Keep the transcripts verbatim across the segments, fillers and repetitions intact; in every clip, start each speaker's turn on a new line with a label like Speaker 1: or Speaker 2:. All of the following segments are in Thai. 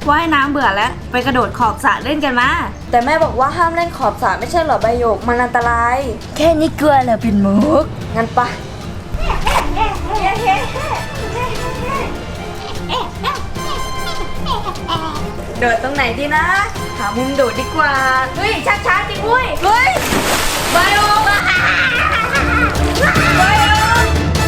Speaker 1: ว่ายน้ำเบื่อแล้วไปกระโดดขอบสระเล่นกันมาแต่แม่บอกว่าห้ามเล่นขอบสระไม่ใช่หรอใบหยกมันอันตรายแค่นี้กลัวเหรอปิ่นมุกงั้นปะโดดตรงไหนดีนะหามุมโดดดีกว่าเฮ้ยช้าๆจริงเว้ยเฮ้ยใบหยกใบหยก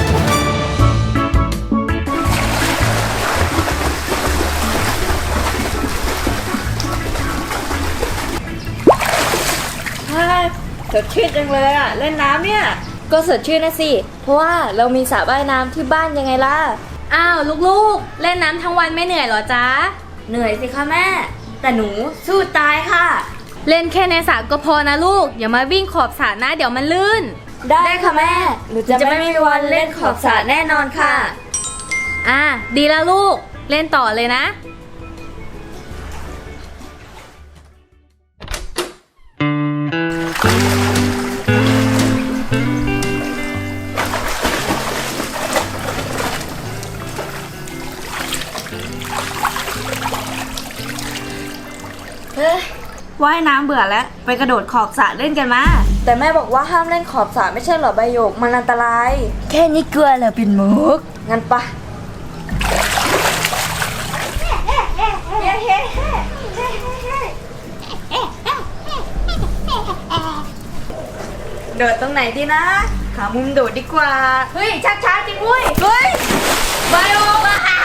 Speaker 1: สดชื่นจังเลยอ่ะเล่นน้ำเนี่ยก็สดชื่นนะสิเพราะว่าเรามีสระว่ายน้ำที่บ้านยังไงล่ะ
Speaker 2: อ้าวลูกๆเล่นน้ำทั้งวันไม่เหนื่อยเหรอจ๊ะ
Speaker 1: เหนื่อยสิคะแม่แต่หนูสู้ตายค่ะ
Speaker 2: เล่นแค่ในสระก็พอนะลูกอย่ามาวิ่งขอบสระนะเดี๋ยวมันลื่น
Speaker 1: ได้ค่ะแม่หนูจะไม่มีวันเล่นขอบสระแน่นอนค่ะ
Speaker 2: อ่ะดีแล้วลูกเล่นต่อเลยนะ
Speaker 1: ว่ายน้ำเบื่อแล้วไปกระโดดขอบสระเล่นกันมาแต่แม่บอกว่าห้ามเล่นขอบสระไม่ใช่หรอใบหยกมันอันตรายแค่นี้กลัวเหรอปิ่นมุกงั้นปะโดดตรงไหนดีนะหามุมโดดดีกว่าเฮ้ยช้าๆจริงเว้ยเฮ้ยใบหยก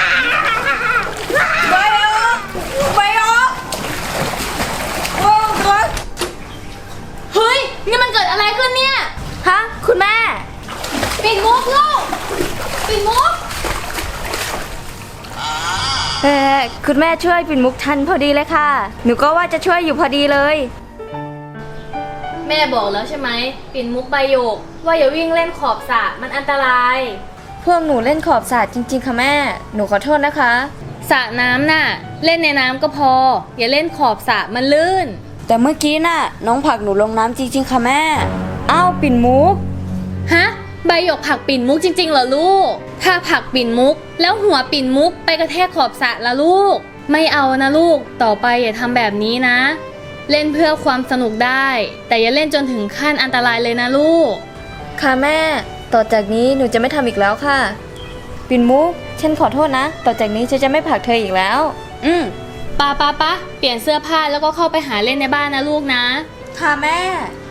Speaker 1: ใบหยกใบหยก
Speaker 2: เฮ้ยนี่มันเกิดอะไรขึ้นเนี่ย
Speaker 1: ฮะคุณแม่
Speaker 2: ปิ่นมุกลูกปิ่นมุก
Speaker 1: เออคุณแม่ช่วยปิ่นมุกทันพอดีเลยค่ะหนูก็ว่าจะช่วยอยู่พอดีเลย
Speaker 2: แม่บอกแล้วใช่ไหมปิ่นมุกใบหยกว่าอย่าวิ่งเล่นขอบสระมันอันตราย
Speaker 1: พวกหนูเล่นขอบสระจริงๆค่ะแม่หนูขอโทษนะคะ
Speaker 2: สระน้ำน่ะเล่นในน้ำก็พออย่าเล่นขอบสระมันลื่น
Speaker 1: แต่เมื่อกี้น่ะน้องผลักหนูลงน้ำจริงๆค่ะแม่อ้าวปิ่นมุก
Speaker 2: ฮะใบหยกผลักปิ่นมุกจริงๆเหรอลูกถ้าผลักปิ่นมุกแล้วหัวปิ่นมุกไปกระแทกขอบสระละลูกไม่เอานะลูกต่อไปอย่าทำแบบนี้นะเล่นเพื่อความสนุกได้แต่อย่าเล่นจนถึงขั้นอันตรายเลยนะลูก
Speaker 1: ค่ะแม่ต่อจากนี้หนูจะไม่ทำอีกแล้วค่ะปิ่นมุกฉันขอโทษนะต่อจากนี้ฉันจะไม่ผลักเธออีกแล้วอืม
Speaker 2: ปะปะปะเปลี่ยนเสื้อผ้าแล้วก็เข้าไปหาเล่นในบ้านนะลูกนะ
Speaker 1: ค่ะแม่